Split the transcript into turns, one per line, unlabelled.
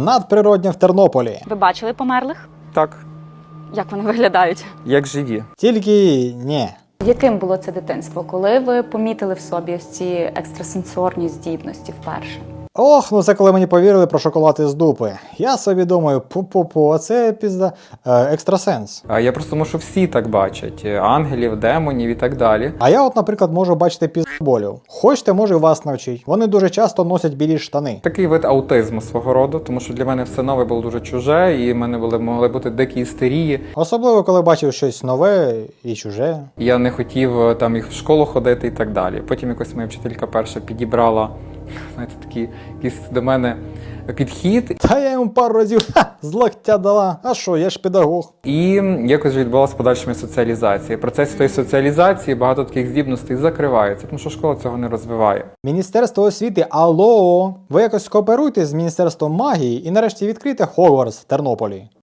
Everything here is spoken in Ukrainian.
надприроднє в Тернополі.
Ви бачили померлих?
Так,
Як вони виглядають?
як живі.
Тільки ні.
Яким було це дитинство, коли ви помітили в собі ось ці екстрасенсорні здібності вперше?
Ох, ну це коли мені повірили про шоколад із дупи. Я собі думаю, пу-пу-пу, а це пізда екстрасенс.
А я просто думаю, що всі так бачать. Ангелів, демонів і так далі.
А я от, наприклад, можу бачити піздоболів. Хочете, можу і вас навчити. Вони дуже часто носять білі штани.
Такий вид аутизму свого роду, тому що для мене все нове було дуже чуже, і в мене могли бути дикі істерії.
Особливо, коли бачив щось нове і чуже.
Я не хотів там їх в школу ходити і так далі. Потім якось моя вчителька перша підібрала, знаєте, такий якийсь до мене підхід.
Та я йому пару разів з локтя дала. А що, я ж педагог.
І якось відбулася подальша моя соціалізація. В процесі тої соціалізації багато таких здібностей закривається, тому що школа цього не розвиває.
Міністерство освіти, алло! Ви якось кооперуйте з Міністерством магії і нарешті відкрийте Хогвартс в Тернополі.